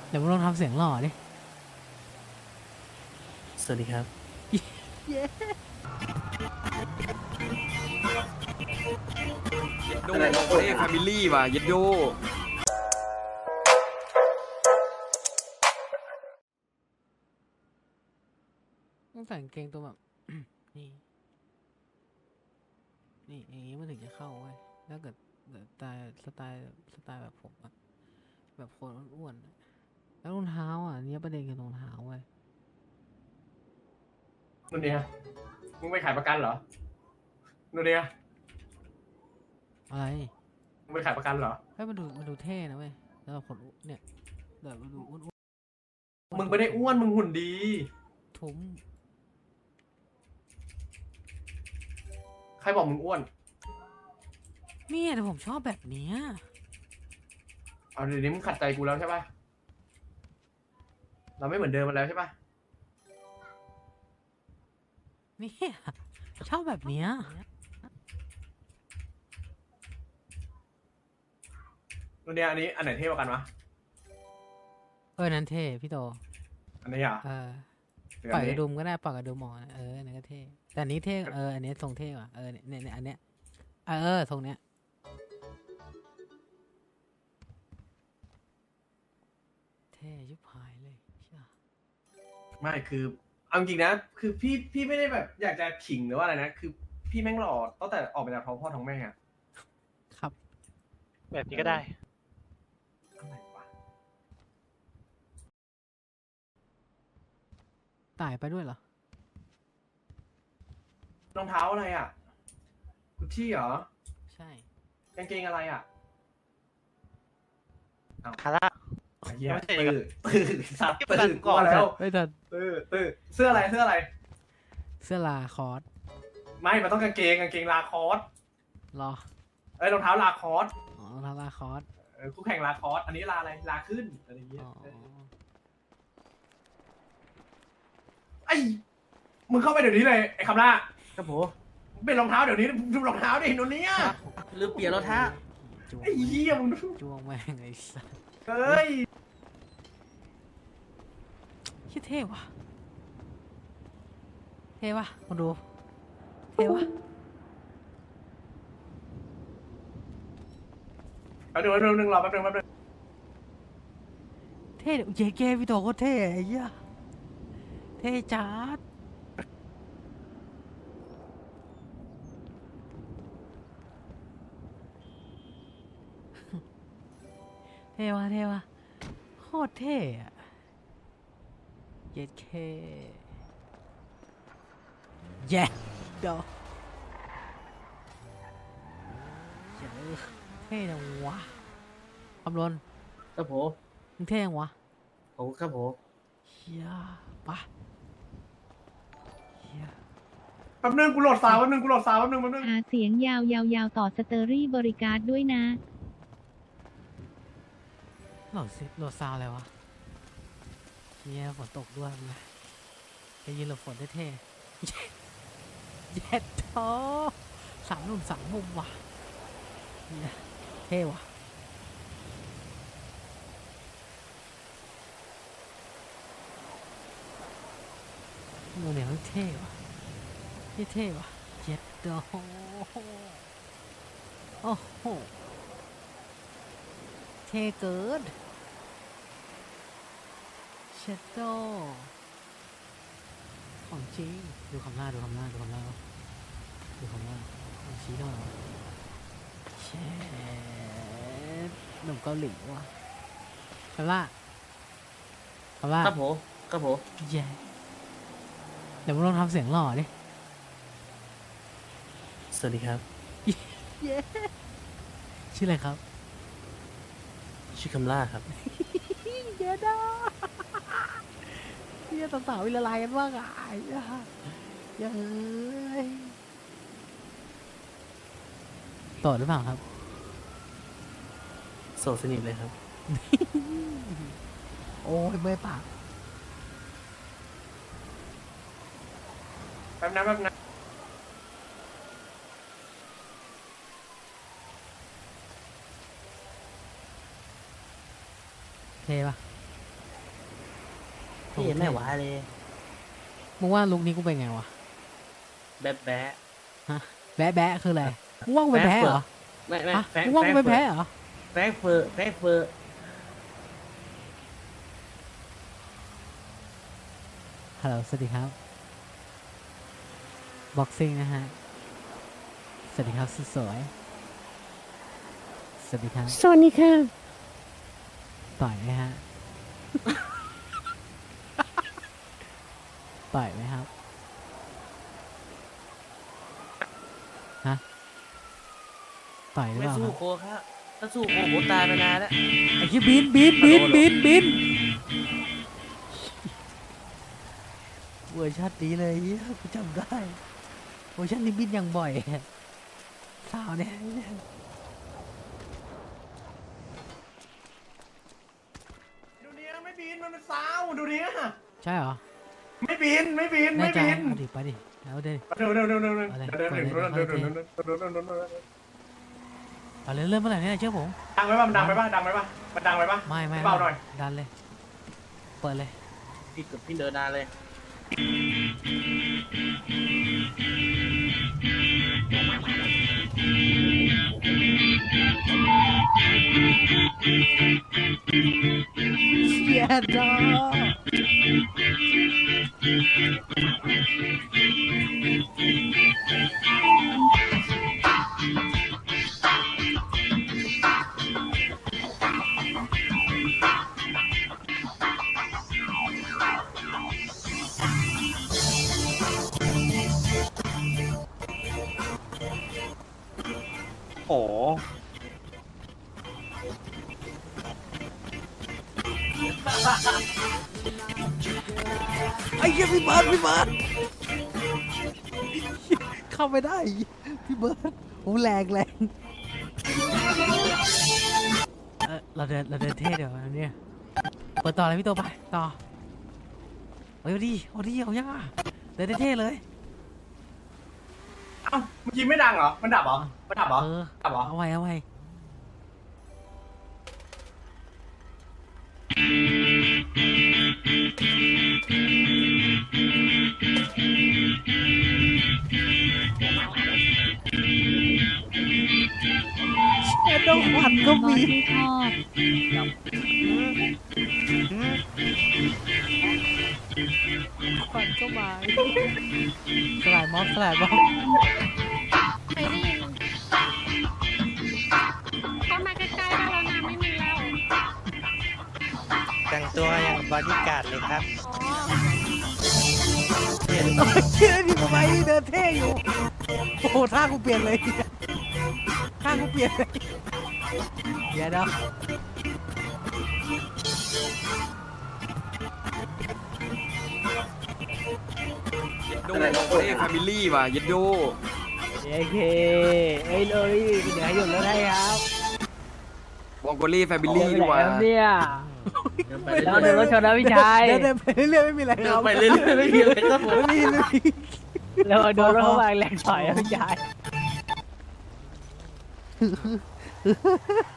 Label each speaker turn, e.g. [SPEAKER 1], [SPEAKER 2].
[SPEAKER 1] เดี๋ยวมึงลองทำเสียงหล่อดิ
[SPEAKER 2] สวัสดีครับ
[SPEAKER 3] โดเอ้แฟมิลี่ว่ะเย็ดโย
[SPEAKER 1] ต้องใส่กางเกงตัวแบบ นี่อย่างนี้มันถึงจะเข้าเว้ยถ้าเกิดสไตล์แบบผมอะแบบคนอ้วนๆอะแล้วรองเท้าอ่ะเนี่ยประเด็นคือรองเท้าเว้ย
[SPEAKER 4] นู่นเนี่ยมึงไปขายประกันเหรอนู่นเนี่ย
[SPEAKER 1] อะไร
[SPEAKER 4] มึงไปขายประกันเหรอ
[SPEAKER 1] ให้มันดูเท่นะเว้ยแล้วเราคนเนี่ยเดี๋ยวมันดูอ้วนๆ
[SPEAKER 4] มึงไม่ได้อ้วน มึงหุ่นดี
[SPEAKER 1] ทุ้ม
[SPEAKER 4] ใครบอกมึงอ้วน
[SPEAKER 1] เนี่ยแต่ผมชอบแบบเนี้ย
[SPEAKER 4] เอาเดี๋ยวนี้มึงขัดใจกูแล้วใช่ปะเราไม่เหมือนเดิมมาแล้วใช่ปะ
[SPEAKER 1] เนี่ยชอบแบบเนี้ย
[SPEAKER 4] นู่นเนี่ยอันนี้อันไหนเท่กว่ากันวะ
[SPEAKER 1] นั้นเท่พี่โต
[SPEAKER 4] อันนี้อ่ะ
[SPEAKER 1] หรือปล่อยกระดุมก็ได้ปล่อยกระดุมหมอนอันนี้ก็เท่แต่อันนี้เท่อันนี้ทรงเท่กว่าเนี่ยอันเนี้ยทรงเนี้ยเท่ยุบหายเลยใช่
[SPEAKER 4] ไม่คือเอาจริงๆนะคือพี่ไม่ได้แบบอยากจะขิงหรือว่าอะไรนะคือพี่แม่งหล่อตั้งแต่ออกมาจากท้องพ่อท้องแม่อะ
[SPEAKER 1] ครับ
[SPEAKER 2] แบบนี้ก็ได้
[SPEAKER 4] อะไรวะ
[SPEAKER 1] ตายไปด้วยเหรอ
[SPEAKER 4] รองเท้าอะไรอ่ะกุชชี่เหรอ
[SPEAKER 1] ใช่
[SPEAKER 4] กางเกงอะไรอ่ะ
[SPEAKER 2] คาร่า
[SPEAKER 4] ไอ้เหี้ย
[SPEAKER 2] ไม่ใช่
[SPEAKER 4] ตื่นสัตว์
[SPEAKER 2] ที่ประกัน
[SPEAKER 4] ตื่น
[SPEAKER 2] ก่อน
[SPEAKER 4] แล้ว
[SPEAKER 1] ไม่ทัน
[SPEAKER 4] ตื่นเสื้ออะไรเสื้ออะไร
[SPEAKER 1] เสื้อลาคอร์ส
[SPEAKER 4] ไม่มันต้องกางเกงลาคอส
[SPEAKER 1] รอ
[SPEAKER 4] เอ้ยรองเท้าลาคอส
[SPEAKER 1] อ๋อรองเท้าลาคอร์ส
[SPEAKER 4] คู่แข่งลาคอสอันนี้ลาอะไรลาขึ้นอะไรอย่างเงี้ย
[SPEAKER 1] อ๋อ
[SPEAKER 4] ไอ้มึงเข้าไปเดี๋ยวนี้เลยไอ้คำล่า
[SPEAKER 2] ครับผม
[SPEAKER 4] เป็นรองเท้าเดี๋ยวนี้ดูรองเท้าดิโนเนี้ย
[SPEAKER 2] ลืมเปลี่ยนรองเท้า
[SPEAKER 1] จวง
[SPEAKER 4] ไอ้เหี้ยมึงดู
[SPEAKER 1] จวงแม่งไอ้สัส
[SPEAKER 4] เฮ้ย
[SPEAKER 1] คิดเท่ว่ะเท่ว่ะมาดูเท่ว่ะ
[SPEAKER 4] แป๊บนึงรอแป๊บนึง
[SPEAKER 1] เท่เย้เก้พี่โตโคตรเท่ไอ้เหี้ยเท่จัดเท่ว่ะโคตรเท่อะเย้เคเย้เดี๋ยวเย้เท่จังวะคำรณ
[SPEAKER 2] ครับผม
[SPEAKER 1] มึงเท่ยังวะ
[SPEAKER 2] ผมครับผม
[SPEAKER 1] เฮียปะเฮีย
[SPEAKER 4] แป๊บนึงกูโหลดซาวด์แป๊บนึง
[SPEAKER 5] หาเสียงยาวๆต่อสเตอรี่บริการด้วยนะ
[SPEAKER 1] โหลดซาวอะไรวะเฮียฝนตกด้วยนะจะยืนหลบฝนได้เท่เย็ดโต3 หนุ่ม 3 มุมว่ะเฮียเท่ว่ะโมเดลเท่ว่ะเท่ว่ะเย็ดโตโอ้โหเท่เกินเชดโดของจริงดูคำล่าของชี้หน่อยวะเชดหนุ่มเกาหลีว่ะคำล่า
[SPEAKER 2] ครับผมครับผม
[SPEAKER 1] เย้เดี๋ยวมึงลองทำเสียงหล่อดิ
[SPEAKER 2] สวัสดีครับ
[SPEAKER 1] เย้ชื่ออะไรครับ
[SPEAKER 2] ชื่อคำล่าครับ
[SPEAKER 1] เย้ด้าเย้สาวๆวิละลายกันว่าไงเย้โสดหรือเปล่าครับ
[SPEAKER 2] โสดสนิทเลยครับ
[SPEAKER 1] โอ้ยเมื่อยปาก
[SPEAKER 4] แป๊บนะ
[SPEAKER 1] เท่ปะ
[SPEAKER 2] พี่ไม่ไหวเลย
[SPEAKER 1] มึงว่าลุคนี้กูเป็นไงวะ
[SPEAKER 2] แบ๊ะแบ๊ะ
[SPEAKER 1] แบะแบะคืออะไรมึงว่ากูเป็นแพ้เหรอ
[SPEAKER 2] ไม่
[SPEAKER 1] ฮะ
[SPEAKER 2] แฟง
[SPEAKER 1] มึงว่ากูเป็นแพ้เหรอ
[SPEAKER 2] แฟงเฟอร์แฟงเฟอร์
[SPEAKER 1] ฮัลโหลสวัสดีครับบ็อกซิ่งนะฮะสวัสดีครับสุดสวยสวัสดีครับ
[SPEAKER 2] สวัสดีค่ะ
[SPEAKER 1] ต่อยไหมฮะ ต่อยไหมครับฮะต่อยหรือ
[SPEAKER 2] ไม่
[SPEAKER 1] เปล่าค
[SPEAKER 2] สู้
[SPEAKER 1] รับ
[SPEAKER 2] โคครับถ้าสู้โคผมตายไปนานแล้ว
[SPEAKER 1] ไอ้ที่บินเวอร์ชันนี้เลยเหี้ยกูจำได้เวอร์ชันนี้บินอย่างบ่อยสาวเนี่ย
[SPEAKER 4] ดูเนี้ยไม่บินมันเป็นซาวดูเนี้ย
[SPEAKER 1] ใช่เหรอ
[SPEAKER 4] ไม่บินไม่บิน
[SPEAKER 1] แน่
[SPEAKER 4] ไม่
[SPEAKER 1] ใจ
[SPEAKER 4] บิน
[SPEAKER 1] เอาดิไปดิเอาดิ
[SPEAKER 4] เดี๋ยว
[SPEAKER 1] เอาเลยเริ่มเมื่อไหร่เนี่ยเชื่อผม
[SPEAKER 4] ดังไหมป่ะมันดังไหมป่ะดังไหมป่ะมันดังไหมป่ะ
[SPEAKER 1] ไม่
[SPEAKER 4] เบาหน่อย
[SPEAKER 1] ดันเลยเปิดเลย
[SPEAKER 2] พี่กับพี่เดินนานเลย
[SPEAKER 1] เชียร์ดอ
[SPEAKER 3] โอ้
[SPEAKER 1] ไอ้เหี้ยพี่เบิร์ดเข้าไม่ได้พี่เบิร์ดโอ้แรงเราเดินเท่เดี๋ยวอันเนี่ยเปิดต่อเลยพี่โตไปต่อเอาดิเอายังอ่ะเดินเท่เลย
[SPEAKER 4] เอ้าเมื่อกี้ไม่ดังเหรอมันดับเหรอมันดับเหรอ ดับเหรอ
[SPEAKER 1] เอาไว้แค่ต้องขวัญก็
[SPEAKER 5] บอ
[SPEAKER 1] มี
[SPEAKER 5] สไม่ชอบ
[SPEAKER 1] ขวัญก็มาสลายม็อบ
[SPEAKER 6] เคยได้ยินเข้ามาใกล้ๆได้แล้วนะไม่มีแล้ว
[SPEAKER 7] แต่งตัวอย่างบอดี้การ์ดเลยครับ
[SPEAKER 6] อ๋อ
[SPEAKER 1] เชื่อที่ทำไมเดินเท่อยู่โอ้โหท่ากูเปลี่ยนเลยท่ากูเปลี่ยนเลยเดี๋ยวนะ
[SPEAKER 3] โดวองโกเล่แฟมิลี่ว่ะเย็ดโด
[SPEAKER 1] โอเคเอ้ยเลยเดี๋ยวหยุดแล้วได้ครับ
[SPEAKER 3] วองโกเล่แฟมิลี่ดีกว่า
[SPEAKER 1] เนี่ย
[SPEAKER 2] เดินไป
[SPEAKER 1] เรา
[SPEAKER 2] เรื่
[SPEAKER 1] เดิ
[SPEAKER 2] อน ย
[SPEAKER 1] รถชนนะพี่ชายเดินไปเรื่อยๆไม่มีอะไร
[SPEAKER 2] ๆเดิ
[SPEAKER 1] คน รับ
[SPEAKER 2] ไปเรื่อยๆไม่มีอะไรครับผม
[SPEAKER 1] ไม่มีเราโดนรถเข้ามาแรงถอยพี่ชาย